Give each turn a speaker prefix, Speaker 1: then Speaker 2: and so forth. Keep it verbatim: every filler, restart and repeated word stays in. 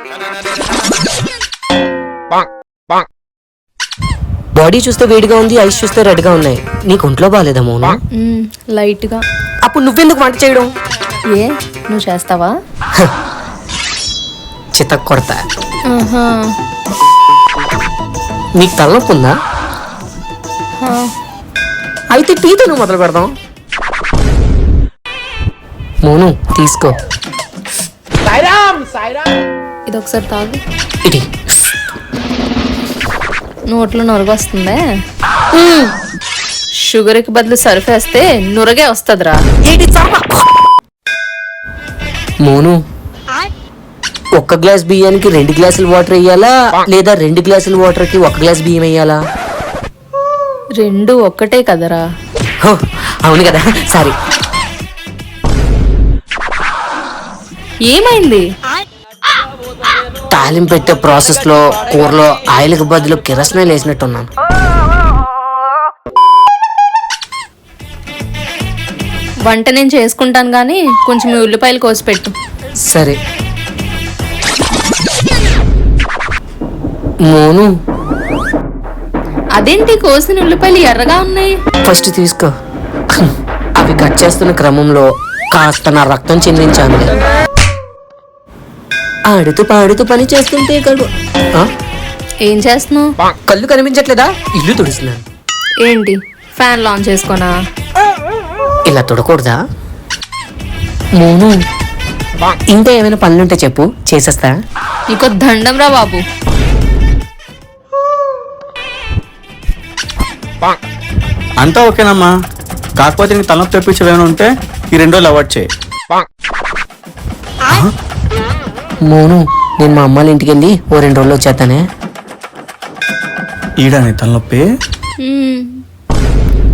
Speaker 1: Body చూస్తే వేడిగా ఉంది, ఐస్ చూస్తే రెడ్ గా ఉన్నాయి. నీకు ఒంట్లో బాగాలేదా మౌనా?
Speaker 2: లైట్ గా.
Speaker 1: అప్పుడు నువ్వెందుకు వంట చేయడం?
Speaker 2: ఏ నువ్వు చేస్తావా?
Speaker 1: చితక్ కొడతా. నీకు తలనొప్పి ఉందా? అయితే టీతో నువ్వు మొదలు పెడదాం. మౌను తీసుకో.
Speaker 2: ఇది ఒకసారి తాగు.
Speaker 1: ఇది
Speaker 2: నోట్లో నొరగొస్తుందే. షుగర్కి బదులు సర్ఫ్ వేస్తే నురగే వస్తుందిరా.
Speaker 1: మోను, ఒక్క గ్లాస్ బియ్యానికి రెండు గ్లాసులు వాటర్ వేయాలా లేదా రెండు గ్లాసుల వాటర్ కి ఒక గ్లాస్ బియ్యం వేయాలా?
Speaker 2: రెండు ఒక్కటే కదరా.
Speaker 1: అవును కదా, సారీ.
Speaker 2: ఏమైంది?
Speaker 1: తాలింపు పెట్టే ప్రాసెస్ లో కూరలో ఆయిల్ కి బదులు కిరసనాయిల్ వేసినట్టున్నాను.
Speaker 2: వంట నేను చేసుకుంటాను గానీ కొంచెం ఉల్లిపాయలు కోసి పెట్టు.
Speaker 1: సరే. మోను,
Speaker 2: అదేంటి కోసిన ఉల్లిపాయలు ఎర్రగా ఉన్నాయి?
Speaker 1: ఫస్ట్ తీసుకో. అవి కట్ చేస్తున్న క్రమంలో కాస్త నా రక్తం చిందించాను. ఆడుతూ పాడుతూ పని చేస్తుంటే కడు.
Speaker 2: ఏం చేస్తున్నావు?
Speaker 1: కళ్ళు కనిపించట్లేదా? ఇల్లు తుడుస్తున్నాను.
Speaker 2: ఏంటి ఫ్యాన్ లాంచ్ చేసుకోనా?
Speaker 1: ఇలా తుడకూడదా? మోను, ఇంకా ఏమైనా పనులుంటే చెప్పు, చేసేస్తా.
Speaker 2: నీకు దండం రా బాబు.
Speaker 3: అంతా ఓకేనమ్మా, కాకపోతే నీకు తలనొప్పి తెప్పించలేని ఉంటే ఈ రెండు రోజులు అవాయిడ్ చేయి.
Speaker 1: మోను, నేను మా అమ్మాళ్ళ ఇంటికి వెళ్ళి ఓ రెండు రోజులు వచ్చేస్తానే.
Speaker 3: ఈడని తలనొప్పి.